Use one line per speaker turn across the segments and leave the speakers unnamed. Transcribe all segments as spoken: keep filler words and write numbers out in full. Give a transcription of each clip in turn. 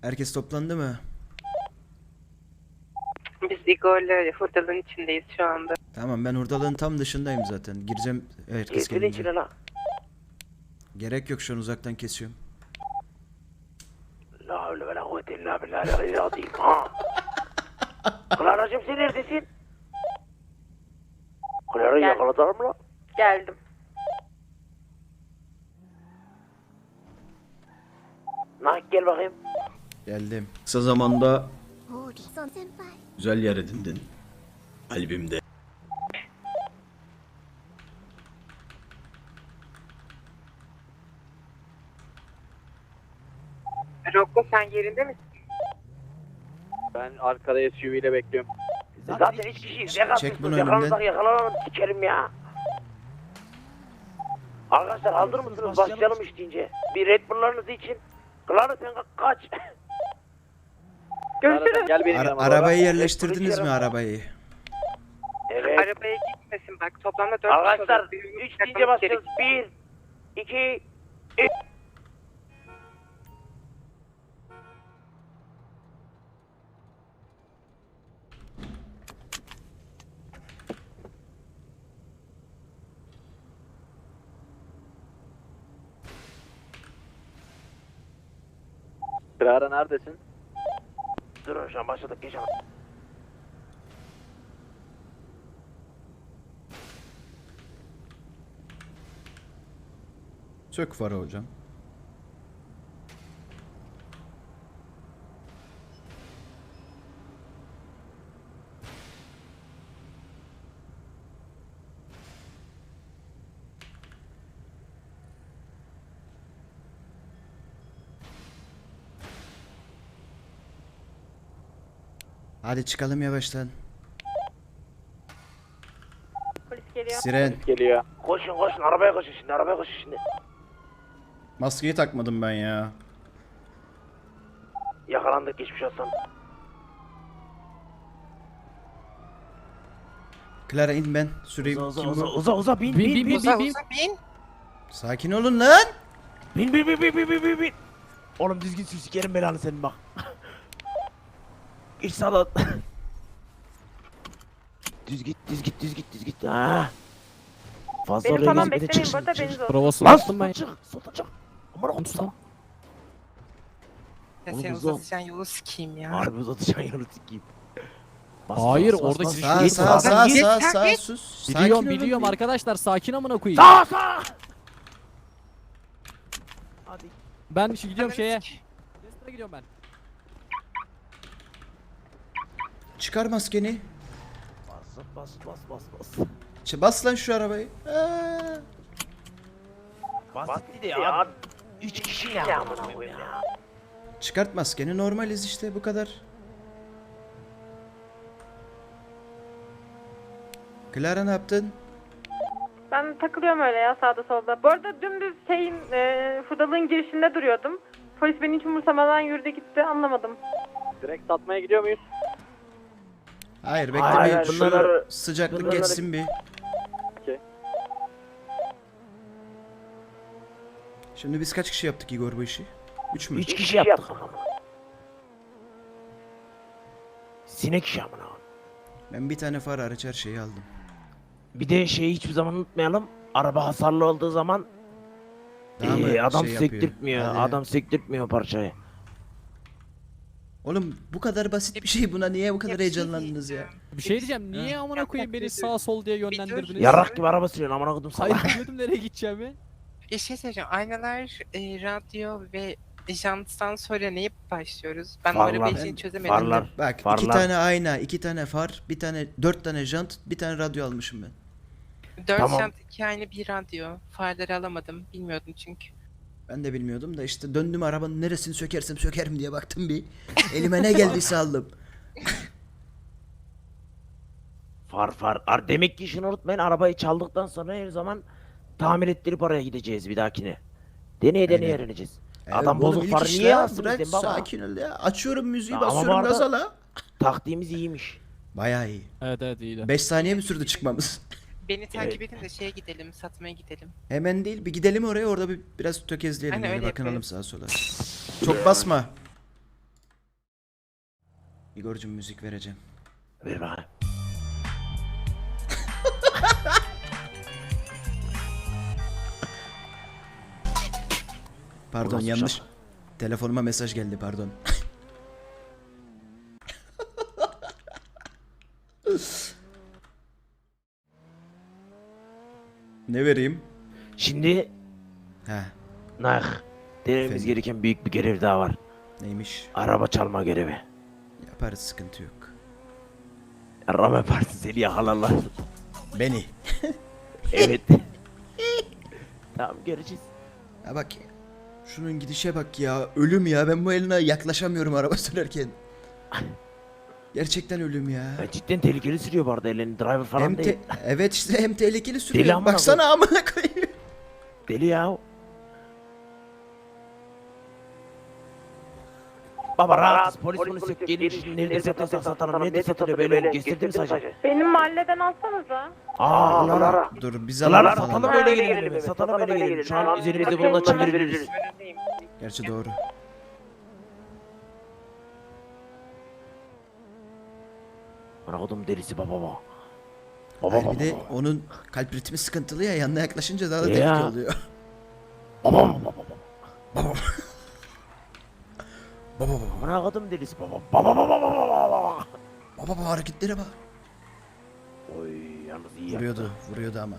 Herkes toplandı mı?
Biz Igor'la hurdalığın içindeyiz şu anda.
Tamam, ben hurdalığın tam dışındayım zaten. Gireceğim herkes
Getirin
gelince.
içine la.
Gerek yok, şu an uzaktan kesiyorum.
La havle ve la kuvvete illa billahi azim ha. Clara'cığım sen neredesin? Clara'yı
Gel.
yakaladılar mı la?
Geldim.
Nah gel bakayım.
Geldim. Kısa zamanda
おお、リソン先輩。
güzel yer edindin. Kalbimde.
Rocco sen yerinde misin?
Ben arkada S U V ile bekliyorum.
Zaten hiç kişiyiz.
Çek
Yakansız
bunu
yakalanırsak
önümden.
yakalanalım sikerim ya. Arkadaşlar hazır mısınız? Başlayalım işleyince. Bir Red Bull'larınız için. Clara sen ka- kaç.
Görüşürüz.
Gel benim
Ara-
yanıma.
arabayı
doğru.
yerleştirdiniz mi arabayı?
Evet.
Arabaya gitmesin bak. Toplamda dört kişi
Arkadaşlar
oluyor. Birbirini
üç deyince
bırakmamız
başlıyoruz.
gerekiyor.
Bir, iki, üç.
Clara neredesin?
Durun şu an başladık. Geç ama.
Sök farı hocam. Hadi çıkalım yavaştan.
Polis geliyor.
Siren.
Geliyor.
Koşun koşun arabaya koşun şimdi arabaya koşun şimdi.
Maskeyi takmadım ben ya.
Yakalandık geçmiş olsun.
Clara in, ben süreyim.
Uza
Kim
uza
bu?
uza uza bin
Bin
bin
bin
bin
bin bin bin.
Sakin olun lan.
bin bin bin bin bin bin bin bin. Oğlum düzgün sür sikerim belanı senin bak. Geç sağdan. düz git düz git düz git düz git. Ha. Fazla
Beni
oraya
falan
gezme de
beklemeyin.
çık,
Burada
çık.
beniz olsun.
Provası
Lan
bastım
soldan
ben.
çık soldan çık. Aman okudum sana.
Ya
Oğlum
sen
uza.
uzatacaksın yolu sikeyim ya.
Harbi uzatacaksın yanı sikeyim. Bas,
Hayır,
bas, bas,
oradaki
bas.
şu-
Sağ
Git
sağ
sağ.
sağ
Git,
sağ
sen
sağ
git.
sus. Sakin
Biliyorum
olun
biliyorum
bir.
arkadaşlar, sakin amına koyayım.
Sağ sağ. Hadi.
Ben şu gidiyorum
Ananı
şeye.
sik-
Lester'a gidiyorum ben.
Çıkar maskeni.
Bas bas bas bas bas.
Ç- Bas lan şu arabayı. Aa.
Basit de ya. Üç kişi ne amına koyayım ya.
Çıkart maskeni, normaliz işte, bu kadar. Clara ne yaptın?
Ben takılıyorum öyle ya sağda solda. Bu arada dümdüz şeyin e, hurdalığın girişinde duruyordum. Polis beni hiç umursamadan yürüdü gitti, anlamadım.
Direkt satmaya gidiyor muyuz?
Hayır, bekle
Hayır,
bir
hayır,
şu
bunları-
sıcaklık
bunları-
geçsin bir.
Okey.
Şimdi biz kaç kişi yaptık Igor bu işi? Üç mü?
Üç kişi yaptık. Sinek işi amına.
Ben bir tane far hariç her şeyi aldım.
Bir de şeyi hiçbir zaman unutmayalım. Araba hasarlı olduğu zaman
Daha mı
ee, adam
şey yapıyor?
sektirtmiyor.
Hadi.
Adam sektirtmiyor parçayı.
Oğlum bu kadar basit bir şey, buna niye bu kadar
Ya bir şey
heyecanlandınız ya?
Bir şey diyeceğim. Niye amına koyayım beni sağ sol diye yönlendirdiniz?
Yarrak gibi araba sürüyorsun amına kodum
Hayır,
sana.
biliyordum nereye gideceğimi.
Bir şey söyleyeceğim. Aynalar, e, radyo ve janttan sonra neye başlıyoruz? Ben
Farlar.
o arabayı
Ben-
için çözemedim.
Farlar.
Bak iki
Farlar.
tane ayna, iki tane far, bir tane dört tane jant, bir tane radyo almışım ben.
Dört
Tamam.
jant, iki ayna, bir radyo. Farları alamadım. Bilmiyordum çünkü.
Ben de bilmiyordum da işte döndüm, arabanın neresini sökersem sökerim diye baktım bir. Elime ne geldiyse aldım.
Far far. Ar demek ki işini unutmayın. Arabayı çaldıktan sonra her zaman tamir ettirip oraya gideceğiz bir dahakine. Deneye deneye
Aynen.
öğreneceğiz.
Ee,
Adam
oğlum
bozuk
ilk
farı
iş
niye
la,
yazsın
bırak,
bizden baba?
sakin ol ya. Açıyorum müziği,
Ama
basıyorum
bu arada-
gaza la.
Taktiğimiz iyiymiş.
Bayağı iyi.
Evet evet iyiydi.
beş saniye mi sürdü çıkmamız?
Beni takip edin de şeye gidelim, satmaya gidelim.
Hemen değil, bir gidelim oraya, orada bir biraz tökezleyelim,
Aynen,
yani
öyle
bakınalım
yaparız.
sağa sola. Çok basma. Igor'cum müzik vereceğim.
Ver bakayım.
Pardon
Nasıl
yanlış.
şaka?
Telefonuma mesaj geldi pardon. Ne vereyim?
Şimdi
He,
nah, denememiz
Efendim?
gereken büyük bir görev daha var.
neymiş?
Araba çalma görevi.
Yaparız, sıkıntı yok.
Rame Partisi seni yakalarlar.
Beni.
Evet. Tamam göreceğiz.
Ya bak. Şunun gidişe bak ya. Ölüm ya. Ben bu eline yaklaşamıyorum araba sürerken. Gerçekten ölüm ya.
Ya cidden tehlikeli sürüyor bu arada elini driver falan
Hem
değil.
te- evet işte hem tehlikeli sürüyor.
Deli amına
Baksana amına koyayım.
Deli ya. Baba rahat polis polis yok gelin şimdi nerede satıyorsak satalım nerede satılıyor böyle gösterdi mi sadece?
Benim mahalleden alsanıza.
Aaa Lara.
Dur biz
Lara
alalım
satalım
falan.
öyle gelelim eve satalım öyle gelelim şu an üzerimizde bununla çevirebiliriz.
Gerçi doğru.
Bana kodum delisi baba baba. Baba
Hayır,
baba
bir de
baba.
onun kalp ritmi sıkıntılı ya, yanına yaklaşınca daha da
Ya.
tehlikeli oluyor.
Baba baba baba.
Baba. Baba baba.
Bana kodum delisi baba. Baba baba baba baba.
Baba baba hareketlere bak.
Oy yalnız iyi yaptı.
Vuruyordu, vuruyordu ama.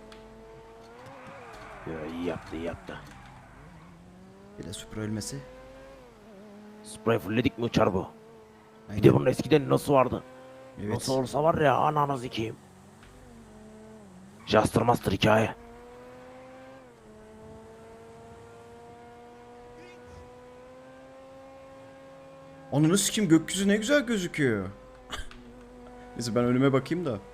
Ya, iyi yaptı iyi yaptı.
Bir de Supra ölmesi.
Spray fullledik mi uçar bu? Bir
Aynen.
de bunun eskiden nasıl vardı?
Evet.
Nasıl olsa var ya ananı zikiyim. Jaster Master hikaye.
Ananı sikeyim, gökyüzü ne güzel gözüküyor. Neyse ben önüme bakayım da.